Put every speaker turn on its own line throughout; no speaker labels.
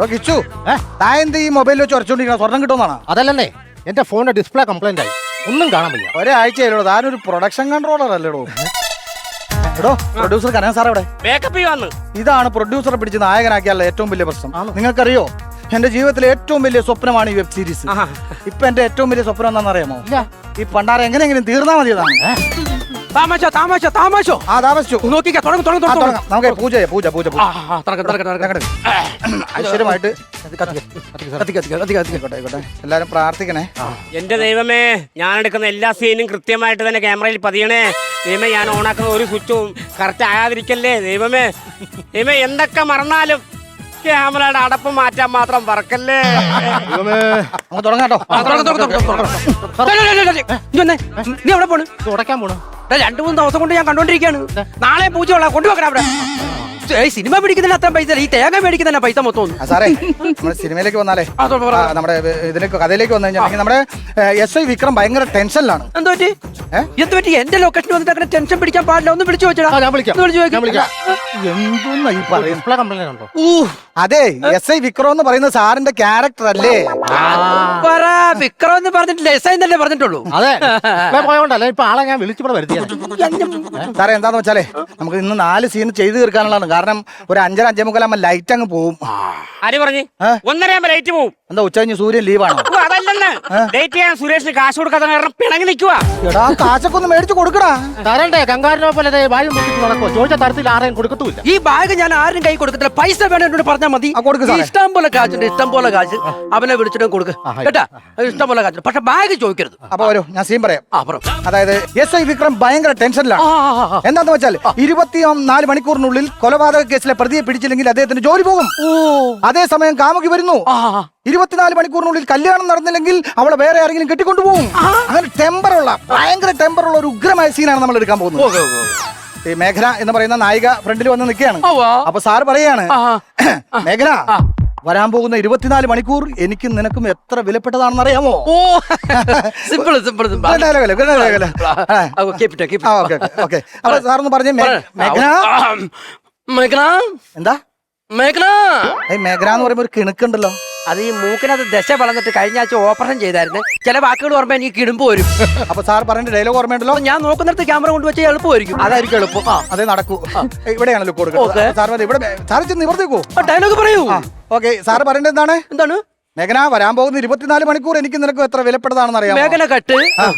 കിച്ചു താൻ എന്ത് ഈ മൊബൈലിൽ വെച്ച് ഉറച്ചോണ്ടിരിക്കണം? സ്വർണം കിട്ടുമെന്നാണ്?
അതല്ലേ എന്റെ ഫോണിന്റെ ഡിസ്പ്ലേ കംപ്ലൈന്റ് ആയി, ഒന്നും കാണാൻ വയ്യ.
ഒരാഴ്ചയല്ലോ താനൊരു പ്രൊഡക്ഷൻ കൺട്രോളർ അല്ലേടോ? എടോ പ്രൊഡ്യൂസർ കനക സാർ എവിടെ? ഇതാണ് പ്രൊഡ്യൂസറെ പിടിച്ച് നായകനാക്കിയാലുള്ള ഏറ്റവും വലിയ പ്രശ്നം. നിങ്ങൾക്കറിയോ, എന്റെ ജീവിതത്തിലെ ഏറ്റവും വലിയ സ്വപ്നമാണ് ഈ വെബ് സീരീസ്. ഇപ്പൊ എന്റെ ഏറ്റവും വലിയ സ്വപ്നം എന്താണെന്ന് അറിയാമോ? ഈ പണ്ടാര എങ്ങനെയെങ്കിലും തീർന്നാ മതിയതാണ്.
താമസിച്ചു
നമുക്ക് പൂജ ഐശ്വര്യമായിട്ട് എല്ലാരും പ്രാർത്ഥിക്കണേ.
എന്റെ ദൈവമേ, ഞാൻ എടുക്കുന്ന എല്ലാ സീനും കൃത്യമായിട്ട് തന്നെ ക്യാമറയിൽ പതിയണേ ദൈവമേ. ഞാൻ ഓണാക്കുന്ന ഒരു സ്വിച്ചും കറക്റ്റ് ആകാതിരിക്കല്ലേ ദൈവമേ. ദൈവമേ, എന്തൊക്കെ മറന്നാലും ക്യാമറയുടെ അടപ്പ് മാറ്റാൻ മാത്രം പറക്കല്ലേ.
തുടങ്ങാട്ടോ.
നീ എവിടെ പോണ്?
തുടക്കാൻ പോണു.
2-3 ദിവസം കൊണ്ട് ഞാൻ കണ്ടോണ്ടിരിക്കാണ്. നാളെ പൂജയുള്ള കൊണ്ടുപോകണം അവിടെ. സിനിമ പിടിക്കുന്നതിന് അത്ര പൈസ, ഈ തേങ്ങ മേടിക്കുന്നതിന് പൈസ മൊത്തം.
സാറേ, നമ്മുടെ സിനിമയിലേക്ക് വന്നാലേ, നമ്മുടെ ഇതിലേക്ക് കഥയിലേക്ക് വന്നു കഴിഞ്ഞാൽ നമ്മുടെ SI വിക്രം ഭയങ്കര ടെൻഷനിലാണ്.
എന്ത് പറ്റി? എന്റെ ലൊക്കേഷൻ വന്നിട്ട് അങ്ങനെ ടെൻഷൻ പിടിക്കാൻ പാടില്ല. ഒന്ന് വിളിച്ചു വെച്ചാ.
ഡിസ്പ്ലേ കംപ്ലൈന്റ് ഉണ്ടോ?
അതെ, SI വിക്രം എന്ന് പറയുന്ന സാറിന്റെ ക്യാരക്ടർ അല്ലേ?
വിക്രം എന്ന് പറഞ്ഞിട്ടില്ല, SI എന്നല്ലേ പറഞ്ഞിട്ടുള്ളൂ.
അതെ, പോയോണ്ടല്ലേ ഇപ്പൊ ആളെ ഞാൻ വിളിച്ചിവിടെ വരുത്തിയത്.
സാറേ, എന്താന്ന് വെച്ചാലേ നമുക്ക് ഇന്ന് 4 സീൻ ചെയ്ത് തീർക്കാനുള്ളതാണ്. കാരണം ഒരു 5:30-5:45 ലൈറ്റ് അങ്ങ് പോവും.
ആര് പറഞ്ഞു? 1:30 ലൈറ്റ് പോവും.
എന്താ ഉച്ച കഴിഞ്ഞ് സൂര്യൻ ലീവാണോ?
അതല്ലെന്ന്, ഡേറ്റ് ചെയ്യാൻ സുരേഷിന് കാശ് കൊടുക്കാത്ത കാരണം പിണങ്ങി നിൽക്കുക.
എടാ, കാശൊക്കെ ഒന്ന് മേടിച്ചു കൊടുക്കടാ.
തരണ്ടേ? കങ്കാരനെ പോലെ വായു നടക്കുമോ? ചോദിച്ച തരത്തിൽ ആരെയും കൊടുക്കത്തുമില്ല.
ഈ ബാഗ് ഞാൻ ആരും കൈ കൊടുക്കത്തില്ല. പൈസ വേണം എന്നോട് പറഞ്ഞാൽ മതി. ഇഷ്ടം പോലെ കാശുണ്ട്, ഇഷ്ടം പോലെ കാശ്. അവനെ വിളിച്ചിട്ട് കൊടുക്ക് കേട്ടാ, ഇഷ്ടം പോലെ കാശുണ്ട്. പക്ഷെ ബാഗ് ചോദിക്കരുത്.
അപ്പൊ വരൂ, ഞാൻ സീൻ പറയാം. അതായത് SI വിക്രം ഭയങ്കര ടെൻഷനിലാണ്. എന്താന്ന് വെച്ചാൽ 24 മണിക്കൂറിനുള്ളിൽ കൊലപാതക കേസിലെ പ്രതിയെ പിടിച്ചില്ലെങ്കിൽ അദ്ദേഹത്തിന് ജോലി പോകും. അതേസമയം കാമുകി വരുന്നു. 24 മണിക്കൂറിനുള്ളിൽ കല്യാണം നടന്നില്ലെങ്കിൽ അവളെ വേറെ ആരെങ്കിലും കെട്ടിക്കൊണ്ടുപോകും. അങ്ങനെ ഭയങ്കര ടെമ്പറുള്ള ഒരു ഉഗ്രമായ സീനാണ് നമ്മൾ എടുക്കാൻ പോകുന്നത്. ഈ മേഘന എന്ന് പറയുന്ന നായിക ഫ്രണ്ടിൽ വന്ന് നിൽക്കുകയാണ്. അപ്പൊ സാറ് പറയാണ്, മേഘന, വരാൻ പോകുന്ന 24 മണിക്കൂർ എനിക്കും നിനക്കും എത്ര വിലപ്പെട്ടതാണെന്ന് അറിയാമോ? അപ്പൊ സാറൊന്ന് പറഞ്ഞേ, മേഘന. എന്താ
മേഘന?
മേഘന എന്ന് പറയുമ്പോ ഒരു കിണുക്കുണ്ടല്ലോ.
അത് ഈ മൂക്കിനകത്ത് ദശ വളർന്നിട്ട് കഴിഞ്ഞ ആഴ്ച ഓപ്പറേഷൻ ചെയ്തായിരുന്നു. ചില വാക്കുകൾ ഓർമ്മ എനിക്ക് കിടുമ്പോ വരും.
അപ്പൊ സാർ പറഞ്ഞ ഡയലോഗ് ഓർമ്മയുണ്ടല്ലോ.
ഞാൻ നോക്കുന്നിടത്ത് ക്യാമറ കൊണ്ടുവച്ച് എളുപ്പമായിരിക്കും.
അതായിരിക്കും എളുപ്പം. അതേ നടക്കൂ. ഇവിടെയാണല്ലോ കൊടുക്കുന്നത്. സാറ് ചെന്ന് നിവർത്തിക്കോ.
ഡയലോഗ് പറയൂ.
ഓക്കെ, സാറ് പറയേണ്ടത് എന്താണ്? മേഘന, വരാൻ പോകുന്ന 24 മണിക്കൂർ എനിക്ക് നിനക്ക് എത്ര വിലപ്പെട്ടതാണെന്ന് അറിയാം.
മേഘന കട്ട്.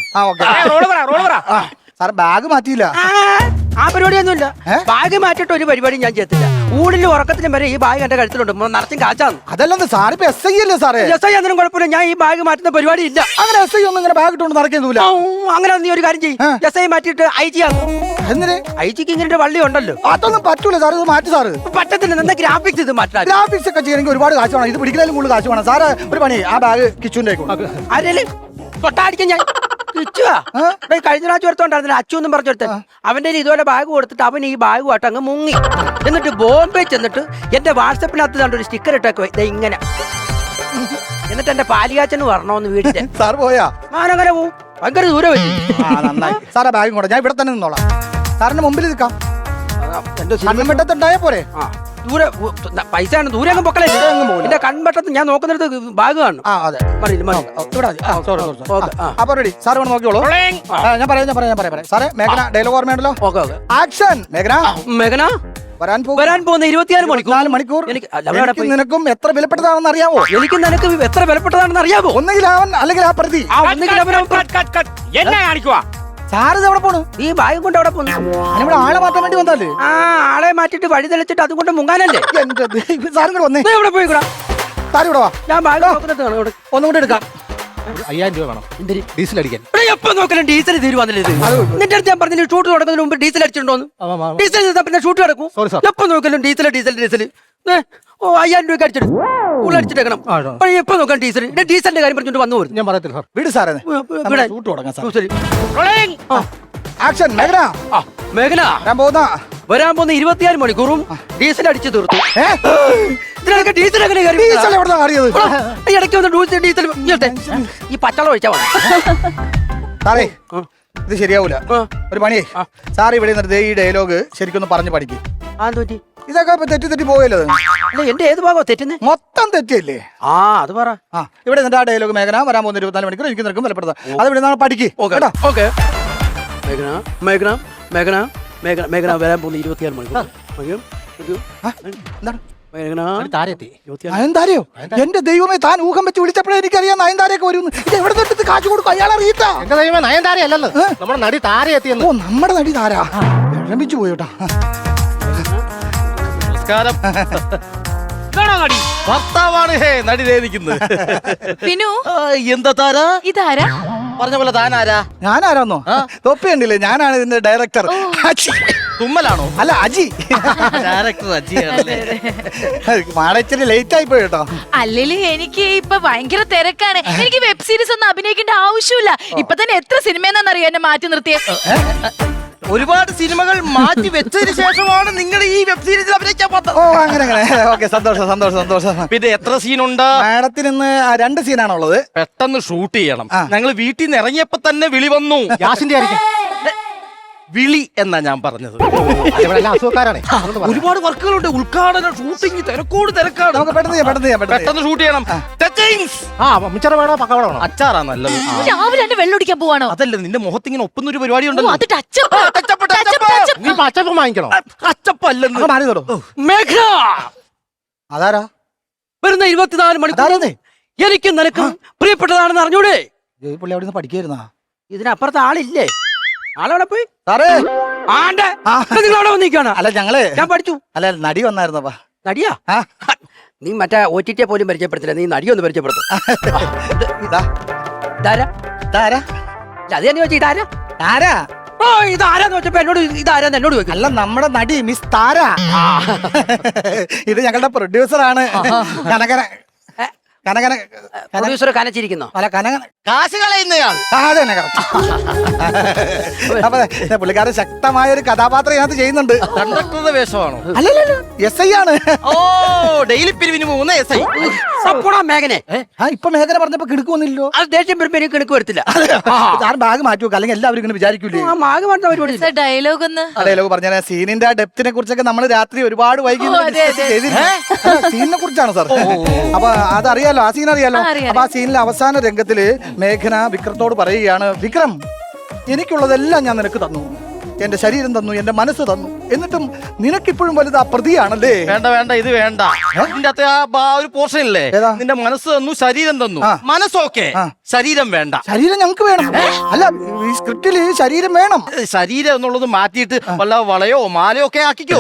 സാർ ബാഗ് മാറ്റിയില്ല.
ആ പരിപാടിയൊന്നുമില്ല. ബാഗ് മാറ്റിട്ട് ഒരു പരിപാടി ഞാൻ ചെയ്തില്ല. ഊടിലും ഉറക്കത്തിനും വരെ ഈ ബാഗ് എന്റെ കഴുത്തിലുണ്ട്. നിറച്ചും കാച്ചാന്ന്.
അതല്ലെന്ന് സാറിപ്പോ SI അല്ലേ സാറേ?
SI ഒന്നും കുഴപ്പമില്ല. ഞാൻ ഈ ബാഗ് മാറ്റുന്ന പരിപാടി ഇല്ല.
അങ്ങനെ SI ഒന്നും ഇങ്ങനെ ബാഗ് ഇട്ടുകൊണ്ട് നടക്കുന്നില്ല.
അങ്ങനെ നീ ഒരു കാര്യം ചെയ്യും, SI മാറ്റിയിട്ട് IG ആകും.
എന്തിന്?
IG ഇങ്ങനെ വള്ളി ഉണ്ടല്ലോ.
അതൊന്നും പറ്റൂല സാർ, ഇത് മാറ്റി സാറ്.
പറ്റത്തില്ല. എന്താ ഗ്രാഫിക്സ് ഇത് മാറ്റാൻ?
ഗ്രാഫിക്സ് ഒക്കെ ചെയ്യണമെങ്കിൽ ഒരുപാട് കാശ് വേണം. ഇത് പിടിക്കുന്നതിലും കൂടുതൽ കാശ് വേണം. സാറ് ഒരു പണി, ആ ബാഗ് കിച്ചുവിന്റെ
ആരെങ്കിലും തൊട്ടാടിക്കാൻ ഞാൻ കഴിഞ്ഞ പ്രാവശ്യം ഒരുത്തോണ്ടായിരുന്നില്ല, അച്ചു എന്നും പറഞ്ഞെടുത്ത. അവന്റെ ഇതുപോലെ ബാഗ് കൊടുത്തിട്ട് അവൻ ഈ ബാഗുമായിട്ട് അങ്ങ് മുങ്ങി. എന്നിട്ട് ബോംബെ ചെന്നിട്ട് എന്റെ വാട്സപ്പിനകത്ത് കണ്ടൊരു സ്റ്റിക്കർ ഇട്ടേക്ക് ഇങ്ങനെ. എന്നിട്ട് എന്റെ പാലിയാച്ചന് വരണോന്ന് വീട്ടിൽ.
സാർ പോയാ?
ഞാനങ്ങനെ പോവും. ഭയങ്കര ദൂരം വെച്ചു.
നന്നായി. സാറാ ബാഗും കൂടെ ഞാൻ ഇവിടെ തന്നെ നിന്നോളാം. സാറിന്റെ മുമ്പിൽ നിൽക്കാം. കണ്ണുവെട്ടത്തുണ്ടായ പോരെ?
ദൂരെ പൈസ ആണ്. ദൂരെ അങ്ങ് പൊക്കളെ. എന്റെ കൺവെട്ടത്ത് ഞാൻ നോക്കുന്നിടത്ത് ബാഗ് കാണും.
അപ്പൊ റെഡി. സാർ ഇവിടെ നോക്കിയോളൂ. ഞാൻ പറയാം. സാറേ, മേഘന ഡയലോഗ് ഓർമ്മയുണ്ടല്ലോ. ആക്ഷൻ.
മേഘന, വരാൻ പോകുന്ന 24 മണിക്കൂർ
എനിക്ക് നിനക്കും എത്ര വിലപ്പെട്ടതാണെന്ന് അറിയാമോ?
എനിക്ക് നിനക്ക് എത്ര വിലപ്പെട്ടതാണെന്ന് അറിയാമോ?
ഒന്നെങ്കിൽ അവൻ അല്ലെങ്കിൽ ആ പ്രതി.
എന്നെ കാണിക്കുവാ.
സാറ് എവിടെ പോണു?
ഈ ബാഗ് കൊണ്ട് എവിടെ പോന്നു?
ഇവിടെ ആളെ മാറ്റാൻ വേണ്ടി വന്നാല്.
ആളെ മാറ്റിട്ട് വഴി തെളിച്ചിട്ട് അതുകൊണ്ട് മുങ്ങാനല്ലേ?
സാറും കൂടെ വന്നേ.
എവിടെ പോയിക്കൂടാ?
സാറ് ഇവിടെ വാ.
ഞാൻ ബാഗ് നോക്കുന്നത്
ഒന്നും കൂടെ എടുക്കാം.
5000 രൂപ വേണം ഡീസൽ അടിക്കാൻ.
എപ്പോ നോക്കലും ഡീസൽ തീരുവാന്നില്ല. നിന്റെ അടുത്ത് ഞാൻ പറഞ്ഞു ഷൂട്ട് തുടങ്ങുന്നതിന് മുമ്പ് ഡീസൽ അടിച്ചിട്ടുണ്ടോന്ന്. ഡീസൽ പിന്നെ ഷൂട്ട് കിടക്കും. എപ്പോ നോക്കലും ഡീസൽ. 5000 രൂപ അടിച്ചിട്ട് ഉള്ളടിച്ചിട്ടേക്കണം. എപ്പോ നോക്കാൻ ഡീസലിന്റെ കാര്യം പറഞ്ഞിട്ട് വന്നു പോരും.
ഞാൻ പറയത്തില്ല സാർ. വീട് സാറേ, ഷൂട്ട് തുടങ്ങാം. ആക്ഷൻ.
മേഘന, വരാൻ പോകുന്ന 24 മണിക്കൂറും ഡീസൽ അടിച്ചു തീർത്തു. ഇതിനൊക്കെ ഡീസൽ എങ്ങനെ ഇടയ്ക്ക് വന്ന് ഡീസൽ ഈ പച്ചവെള്ളം ഒഴിച്ചാ
സാറേ, ഇത് ശരിയാവൂല. ഒരു പണിയേ, സാർ ഇവിടെ നിർത്തി ഈ ഡയലോഗ് ശരിക്കൊന്ന് പറഞ്ഞു പഠിക്കും. ഇതൊക്കെ ഇപ്പൊ തെറ്റി പോയല്ലോ.
അല്ല എന്റെ ഏത് ഭാഗമാ തെറ്റുന്നേ?
മൊത്തം തെറ്റിയല്ലേ?
ആ അത് പറ.
ഇവിടെ നിന്റെ ആ ഡയലോഗ് മേഘന വരാൻ പോകുന്ന 24 മണിക്കൂർ എനിക്ക് നിനക്കും വിലപ്പെടുത്താം. അത് ഇവിടെ നിന്നാണ് പഠിക്ക്.
ഓക്കെ. മേഘന മേഘന മേഘന മേഘന മേഘന വരാൻ പോകുന്ന 26 മണിക്കൂർ.
എന്താണ്
താരെത്തി
നയൻതാരയോ? എന്റെ ദൈവമേ, താൻ ഊഹം വെച്ച് വിളിച്ചപ്പോഴേ എനിക്കറിയാം നയൻതാരയൊക്കെ വരും. ഇത് എവിടെ തൊട്ട് കാശ് കൊടുക്കും? അയാൾ അറിയിട്ടാ.
എന്റെ ദൈവമേ, നയൻതാര അല്ലല്ലോ, നമ്മുടെ നടി താര എത്തിയെന്ന്.
ഓ, നമ്മുടെ നടി താരാ. വിളമ്പിച്ചു പോയോട്ടാ.
നമസ്കാരം. ഭർത്താവാണ് നടി നിൽക്കുന്നത്.
വിനു,
എന്താ താര?
ഇതാരാ?
പറഞ്ഞ പോലെ താനാരാ?
ഞാനാരാന്നോ? തൊപ്പി ഉണ്ടല്ലേ, ഞാനാണ് ഇതിന്റെ ഡയറക്ടർ.
തുമ്മലാണോ?
അല്ല, അജി.
ഡയറക്ടർ അജിയാണല്ലേ?
മാടച്ചിരി ലേറ്റ് ആയി പോയി കേട്ടോ.
അല്ലേലും എനിക്ക് ഇപ്പൊ ഭയങ്കര തിരക്കാണ്. എനിക്ക് വെബ് സീരീസ് ഒന്നും അഭിനയിക്കേണ്ട ആവശ്യമില്ല. ഇപ്പൊ തന്നെ എത്ര സിനിമയെന്നറിയോ എന്നെ മാറ്റി നിർത്തിയ.
ഒരുപാട് സിനിമകൾ മാറ്റി വെച്ചതിന് ശേഷമാണ് നിങ്ങൾ ഈ വെബ് സീരീസിൽ അഭിനയിക്കാൻ പോകുന്നത്.
ഓ, അങ്ങനെ. ഓക്കെ, സന്തോഷം.
പിന്നെ എത്ര സീനുണ്ട്?
മാഡത്തിന് ഇന്ന് 2 സീനാണുള്ളത്.
പെട്ടെന്ന് ഷൂട്ട് ചെയ്യണം. ഞങ്ങൾ വീട്ടിൽ നിന്ന് ഇറങ്ങിയപ്പോ തന്നെ വിളി വന്നു.
ഗ്യാസിന്റെ ആയിരിക്കും.
വിളി എന്നാ ഞാൻ പറഞ്ഞത്.
അസുഖക്കാരാണ്.
ഒരുപാട് വർക്കുകളുണ്ട്. ഉദ്ഘാടനം, ഷൂട്ടിംഗ്, തിരക്കാണ്.
നമുക്ക്
പെട്ടെന്ന് ഷൂട്ട് ചെയ്യണം.
മിച്ചറ വേണോ പക്കവട വേണോ?
അച്ചാറാ നല്ലത്.
രാവിലെ തന്നെ വെള്ളൊടിക്കാൻ പോവാണോ?
അതല്ല, നിന്റെ മുഖത്തിങ്ങനെ ഒപ്പുന്ന ഒരു പരിപാടി
ഓ,
ഉണ്ടല്ലോ.
അത് ടച്ചപ്പ്.
നീ പച്ചപ്പം വാങ്ങിക്കണോ?
അച്ചപ്പല്ലെന്ന്.
മാറി തരോ.
മേഘന
അതാരാ
വരുന്ന 24 മണിക്കൂർ
അതാരേ?
എനിക്ക് നിനക്കും പ്രിയപ്പെട്ടതാണെന്ന് അറിഞ്ഞൂടെ?
പുള്ളി അവിടെ നിന്ന് പഠിക്കായിരുന്നാ?
ഇതിനപ്പുറത്ത് ആളില്ലേ? ആളവിടെ പോയി
സാറേ.
ആണ്ടെ നിങ്ങൾ അവിടെ വന്നിരിക്കുകയാണ്.
അല്ല, ഞങ്ങള്
ഞാൻ പഠിച്ചു.
അല്ല, നടി വന്നായിരുന്നപ്പാ.
നടിയാ? നീ മറ്റേ OTT പോലും പരിചയപ്പെടുത്തില്ല, നീ നടിയൊന്ന് പരിചയപ്പെടുത്തും. ഇതാരാ? അത് തന്നെ ചോദിച്ചു, ഇതാരാ?
താരാ.
ഓ, ഇതാരാന്ന് വെച്ചപ്പോ എന്നോട് ഇതാരാന്ന് എന്നോട് ചോദിക്കും.
അല്ല, നമ്മുടെ നടി മിസ് താര. ഇത് ഞങ്ങളുടെ പ്രൊഡ്യൂസറാണ്. കനകന
പ്രൊഡ്യൂസർ കനച്ചിരിക്കുന്നോ?
അല്ല, കനകന.
കാശ് കളയുന്നയാൾ.
അതെ, അപ്പൊ പുള്ളിക്കാരൻ ശക്തമായ ഒരു കഥാപാത്രം ഇതിനകത്ത് ചെയ്യുന്നുണ്ട്.
കണ്ടക്ടറുടെ വേഷമാണോ?
അല്ലല്ലോ, SI ആണ്.
ഓ, ഡെയിലി പിരിവിന് പോകുന്ന SI.
സപ്പോടാ മേഘനെ.
ഇപ്പൊ മേഖല പറഞ്ഞപ്പോ കിടക്കുന്നില്ലോ.
അത് ദേഷ്യം വരുമ്പോ എനിക്ക് കിണക്ക് വരത്തില്ല.
സാറ് ബാഗ് മാറ്റി വെക്കുക, അല്ലെങ്കിൽ എല്ലാവരും ഇങ്ങനെ വിചാരിക്കൂലേ.
ആ മാഗ് മാറ്റുന്ന പരിപാടി.
ഡയലോഗ് ഒന്ന്.
ഡയലോഗ് പറഞ്ഞ സീനിന്റെ ആ ഡെപ്തിനെ കുറിച്ചൊക്കെ നമ്മൾ രാത്രി ഒരുപാട് വൈകി സീനിനെ കുറിച്ചാണ് സാർ. അപ്പൊ അതറിയാലോ, ആ സീൻ അറിയാലോ. അപ്പൊ ആ സീനിലെ അവസാന രംഗത്തില് മേഘന വിക്രത്തോട് പറയുകയാണ്, വിക്രം, എനിക്കുള്ളതെല്ലാം ഞാൻ നിനക്ക് തന്നു. എന്റെ ശരീരം തന്നു, എന്റെ മനസ്സ് തന്നു. എന്നിട്ടും നിനക്കിപ്പോഴും വലുത് ആ പ്രതിയാണല്ലേ?
വേണ്ട, ഇത് വേണ്ട. ഇതിന്റെ അകത്ത് ആ ഒരു പോർഷൻ ഇല്ലേ, നിന്റെ മനസ്സ് തന്നു, ശരീരം തന്നു. മനസ്സൊക്കെ, ശരീരം വേണ്ട. ശരീരം
ഞങ്ങൾക്ക് വേണം. അല്ല, ഈ സ്ക്രിപ്റ്റില് ശരീരം വേണം.
ശരീരം എന്നുള്ളത് മാറ്റിയിട്ട് വല്ല വളയോ മാലയോ ഒക്കെ ആക്കിക്കോ.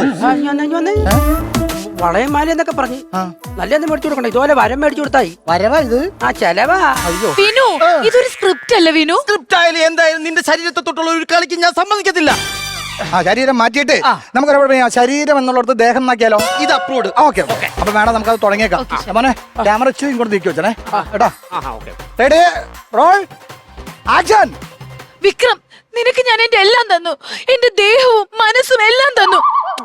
വളയം മാല എന്നൊക്കെ പറഞ്ഞു നല്ലൊന്നും മേടിച്ചു കൊടുക്കണ്ട. ഇതുപോലെ വരം മേടിച്ചു കൊടുത്തായി.
വരവാ ഇത്?
ആ, ചെലവാ.
വിനു, ഇതൊരു സ്ക്രിപ്റ്റ് അല്ലേ വിനു?
സ്ക്രിപ്റ്റ് ആയാലും എന്തായാലും നിന്റെ ശരീരത്തെ തൊട്ടുള്ള ഒരു കളിക്ക് ഞാൻ സമ്മതിക്കത്തില്ല.
ശരീരം മാറ്റിയിട്ട് നമുക്ക് ശരീരം എന്നുള്ളത് ദേഹം എന്നാക്കിയാലോ?
ഇത് അപ്ലോഡ്.
ഓക്കെ. അപ്പൊ വേണം നമുക്കത് തുടങ്ങിയേക്കാം. മോനെ, ക്യാമറ ഇച്ചിരി ഇങ്ങോട്ട് നീക്കി വെച്ചേ കേട്ടോ. Ready, role, action.
വിക്രം, നിനക്ക് ഞാൻ എന്റെ എല്ലാം തന്നു. എന്റെ ദേഹവും മനസ്സും എല്ലാം തന്നു.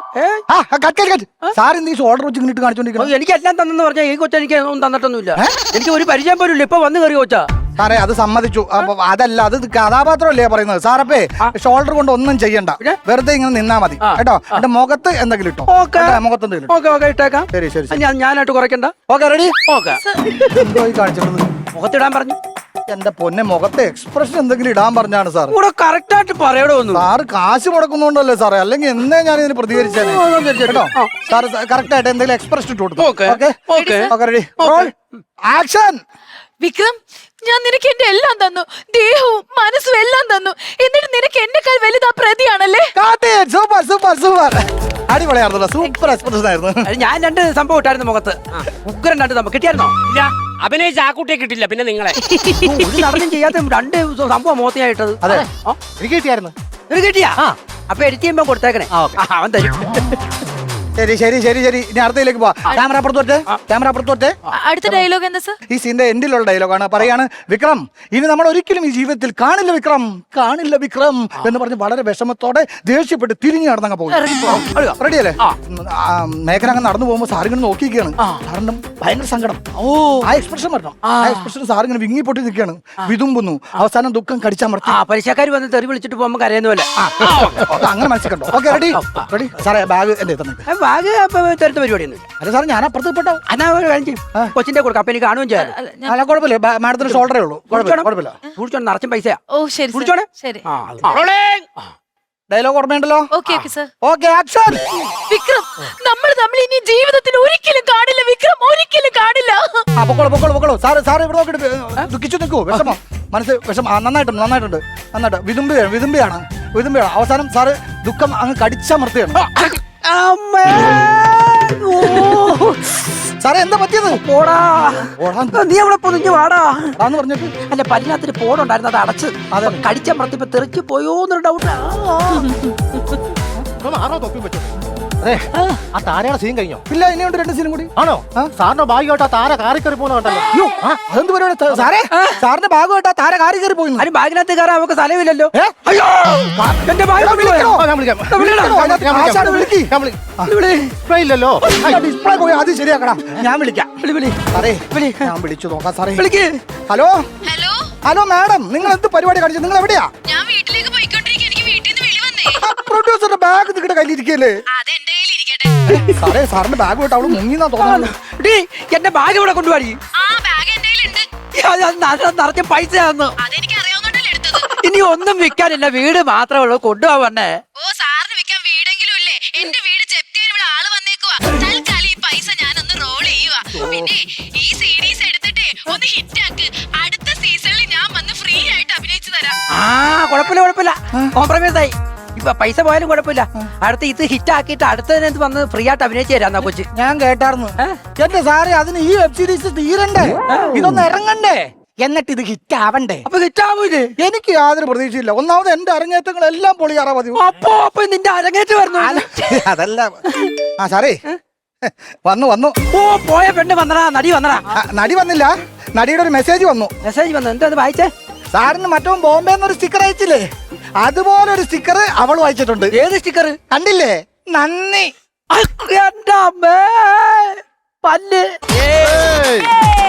സാർ എന്ത് ഓർഡർ വെച്ച് ഇങ്ങോട്ട് കാണിച്ചോണ്ടിരിക്കണം?
എനിക്ക് എല്ലാം തന്നെന്ന് പറഞ്ഞാൽ ഈ കൊച്ച എനിക്ക് ഒന്നും തന്നിട്ടൊന്നുമില്ല. എനിക്ക് ഒരു പരിചയം പോലും ഇല്ല. ഇപ്പൊ വന്ന് കയറി കൊച്ചാ.
സാറേ, അത് സമ്മതിച്ചു. അപ്പൊ അതല്ല, അത് കഥാപാത്രമല്ലേ പറയുന്നത്. സാറപ്പേ, ഷോൾഡർ കൊണ്ട് ഒന്നും ചെയ്യണ്ട, വെറുതെ ഇങ്ങനെ നിന്നാ മതി കേട്ടോ. എന്റെ മുഖത്ത് എന്തെങ്കിലും ഇട്ടോ. മുഖത്ത് എന്തെങ്കിലും
ഇട്ടേക്കാം.
ശരി.
ഞാനായിട്ട് കുറയ്ക്കണ്ട.
Okay, ready.
ഓക്കെ.
എന്തോ കാണിച്ചിട്ടുണ്ട്?
മുഖത്തിടാൻ പറഞ്ഞു.
എന്റെ പൊന്നെ, മുഖത്തെ എക്സ്പ്രഷൻ എന്തെങ്കിലും ഇടാൻ പറഞ്ഞാണ് സാർ.
കൂടെ കറക്റ്റ് ആയിട്ട് പറയണോ?
സാറ് കാശ് മുടക്കുന്നുണ്ടല്ലേ സാറേ, അല്ലെങ്കിൽ എന്നേ ഞാൻ ഇതിന് പ്രതികരിച്ചേനെ കേട്ടോ. സാർ കറക്റ്റ് ആയിട്ട് എന്തെങ്കിലും എക്സ്പ്രഷൻ ഇട്ട് കൊടുത്തു. Okay, ready, action.
വിക്രം, ഞാൻ നിനക്ക് എന്റെ എല്ലാം തന്നു. ദേഹവും മനസ്സും എല്ലാം തന്നു. എന്നിട്ട് നിനക്ക് എന്നെക്കാൾ വലുതാ പ്രതിയാണല്ലേ?
സൂപ്പർ. അടിപൊളിയായിരുന്നല്ലോ. സൂപ്പർ എക്സ്പ്രഷൻ ആയിരുന്നു.
ഞാൻ 2 സംഭവം ഇട്ടായിരുന്നു മുഖത്ത്. ഉഗ്രൻ 2 സംഭവം കിട്ടിയായിരുന്നോ?
ഇല്ല, അഭിനയിച്ച ആക്കുട്ടിയെ കിട്ടില്ല. പിന്നെ നിങ്ങളെ
ഒരു നടനും ചെയ്യാത്ത 2 സംഭവം മുഖത്തിനായിട്ടത്.
അതെ,
എനിക്ക് കിട്ടിയായിരുന്നു.
ഇത് കിട്ടിയാ? അപ്പൊ എഡിറ്റ് ചെയ്യുമ്പോ കൊടുത്തേക്കണേ. അവൻ തരും.
ശരി. ഇനി അടുത്തയിലേക്ക് പോവാ. ക്യാമറ അപ്പുറത്തോട്ടെ.
അടുത്ത ഡയലോഗ് എന്താ സർ?
ഈ സീന്റെ എൻഡിലുള്ള ഡയലോഗാണ്. പറയാണ്, വിക്രം, ഇനി നമ്മൾ ഒരിക്കലും ഈ ജീവിതത്തിൽ കാണില്ല വിക്രം എന്ന് പറഞ്ഞ് വളരെ വിഷമത്തോടെ ദേഷ്യപ്പെട്ട് തിരിഞ്ഞു നടന്നങ്ങ് പോകും. റെഡിയല്ലേ? മേഘന അങ്ങ് നടന്നു പോകുമ്പോ സാറിങ്ങനെ നോക്കിയിരിക്കുകയാണ്. സാറിന്റെ ഭയങ്കര സങ്കടം. ആ എക്സ്പ്രഷൻ വരണം. ആ എക്സ്പ്രഷൻ സാറിങ്ങനെ വിങ്ങി പൊട്ടി നിൽക്കുകയാണ്, വിതുമ്പുന്നു. അവസാനം ദുഃഖം കടിച്ചമർത്തി
പലിശക്കാർ വന്ന് തെറി വിളിച്ചിട്ട് പോകുമ്പോ കരയുന്ന പോലെ
അങ്ങനെ മനസ്സിലുണ്ടോ? Okay, ready. സാറേ, ബാഗ് എന്റെ തന്നെ.
ബാഗ് തരുത്ത പരിപാടിയൊന്നും
അല്ല സാർ ഞാൻ അപ്പുറത്ത് പെട്ടോ.
എന്നാ ഒരു കാര്യം ചെയ്യും കൊച്ചിന്റെ കൊടുക്കാം അപ്പൊ എനിക്ക് കാണുകയും ചെയ്യാം
അല്ല കുഴപ്പമില്ല, മാഡത്തിന് ഷോൾഡറേ ഉള്ളൂ. കുഴപ്പമില്ല.
സൂക്ഷിച്ചോണം നിറച്ചും പൈസ
ഓ ശരി
കുടിച്ചോണേ.
ശരി.
ഡയലോഗ് ഓർമ്മയുണ്ടല്ലോ?
Okay okay sir.
Okay action.
Vikram, നമ്മൾ തമ്മിൽ ഇനി ജീവിതത്തിൽ ഒരിക്കലും കാണില്ല വിക്രം, ഒരിക്കലും കാണില്ല.
പൊക്കോളൂ. സാറ് ഇവിടെ നോക്കിട്ട് ദുഃഖിച്ചു നിൽക്കൂ. വിഷമം മനസ്സ് വിഷമം നന്നായിട്ടുണ്ട്. വിതുമ്പിയാണ്. അവസാനം സാറ് ദുഃഖം അങ്ങ് കടിച്ചമർത്തിയാണ്. സാറേ എന്താ പറ്റിയത്?
പോടാ നീ അവിടെ പൊതിഞ്ഞു വാടാ
ആന്ന് പറഞ്ഞിട്ട്
അല്ല പല്ലിനകത്തൊരു പോടുണ്ടായിരുന്നു, അത് അടച്ച് കടിച്ചമർത്തിപ്പോ തെറിച്ച് പോയോന്നൊരു ഡൗട്ട്.
ആണോ തൊപ്പി പറ്റും? അതെ, ആ താരയുടെ സീൻ കഴിഞ്ഞോ?
ഇല്ല, ഇനിയുണ്ട് 2 സീനും കൂടി.
ആണോ? സാറിന്റെ ഭാഗ്യമായിട്ട് ആ താര കാറി കയറി പോകുന്ന കണ്ടല്ലോ.
അയ്യോ, അതെന്ത് പരിപാടി സാറേ? സാറിന്റെ ഭാഗമായിട്ട് ആ താര കാറി കയറി പോയി.
അതിന് ബാഗിനകത്ത് കയറാൻ നമുക്ക് സ്ഥലമില്ലല്ലോ. അയ്യോ എന്റെ ബാഗ്
ഇല്ലല്ലോ.
ഡിസ്പ്ലേ പോയി, അത് ശരിയാക്കടാ. ഞാൻ വിളിക്കാം. സാറേ ഞാൻ വിളിച്ചു നോക്കാം സാറേ. ഹലോ
ഹലോ
മാഡം, നിങ്ങൾ എന്ത് പരിപാടി കാണിച്ചു? നിങ്ങൾ എവിടെയാ?
ഞാൻ വീട്ടിലേക്ക് പോയിക്കൊണ്ടിരിക്കുക. എനിക്ക് വീട്ടിൽ നിന്ന് വിളി വന്നേ.
പ്രൊഡ്യൂസറുടെ ബാഗ് നിങ്ങളുടെ കയ്യിലിരിക്കല്ലേ?
അത് എന്റെ കയ്യിൽ ഇരിക്കട്ടെ.
സാറേ സാറിന്റെ ബാഗ് വിട്ട് അവള് മുങ്ങിന്നാ തോന്നുന്നു.
എന്റെ ബാഗ് ഇവിടെ കൊണ്ടുപോയി.
ആ ബാഗ് എന്റെ കയ്യിലുണ്ട്.
നിറച്ച പൈസ തന്നു.
അതെനിക്ക് അറിയാവുന്നതല്ലേ എടുത്തത്.
ഇനി ഒന്നും വിൽക്കാനില്ല, വീട് മാത്രമേ ഉള്ളൂ. കൊണ്ടുപോവണ്ണേ.
ഓ സാറിന് വിൽക്കാൻ വീടെങ്കിലും ഇല്ലേ? എന്റെ വീട് ജപ്തി ചെയ്യാൻ ഇവിടെ ആള് വന്നേക്കുവാ. തൽക്കാലം ഈ പൈസ ഞാനൊന്ന് റോൾ ചെയ്യുവാ. പിന്നെ ഈ സീരീസ് എടുത്തിട്ടേ ഒന്ന് ഹിറ്റ് ആക്ക്. അടുത്ത സീസണിൽ ഞാൻ വന്ന് ഫ്രീ ആയിട്ട് അഭിനയിച്ചു തരാം.
കുഴപ്പമില്ല കോംപ്രമൈസ് ആയി. ഇപ്പൊ പൈസ പോയാലും കുഴപ്പമില്ല. അടുത്ത ഇത് ഹിറ്റ് ആക്കിയിട്ട് അടുത്തതിനകത്ത് വന്ന് ഫ്രീ ആയിട്ട് അഭിനയിച്ചു തരാം കൊച്ചു.
ഞാൻ കേട്ടായിരുന്നു. എന്റെ സാറേ, അതിന് ഈ വെബ് സീരീസ് തീരണ്ടേ? ഇതൊന്ന് ഇറങ്ങണ്ടേ? എന്നിട്ട് ഇത് ഹിറ്റ് ആവണ്ടേ?
അപ്പൊ ഹിറ്റ് ആവൂലേ?
എനിക്ക് യാതൊരു പ്രതീക്ഷയില്ല. ഒന്നാമത് എന്റെ അരങ്ങേറ്റങ്ങളെല്ലാം പൊളിയാറാ മതി.
അപ്പൊ നിന്റെ അരങ്ങേറ്റ് വരുന്നു.
അതല്ല സാറേ, വന്നു.
ഓ പോയ പെണ്ണ് വന്നടാ, നടി വന്നടാ.
നടി വന്നില്ല, നടിയുടെ ഒരു മെസ്സേജ് വന്നു.
മെസ്സേജ് വന്നു, എന്താ വായിച്ചേ?
സാറിന് മറ്റോ ബോംബെ എന്നൊരു സ്റ്റിക്കർ അയച്ചില്ലേ, അതുപോലെ ഒരു സ്റ്റിക്കർ അവൾ വായിച്ചിട്ടുണ്ട്.
ഏത് സ്റ്റിക്കർ?
കണ്ടില്ലേ? നന്ദി.
എന്റെ അമ്മേ പല്ല്.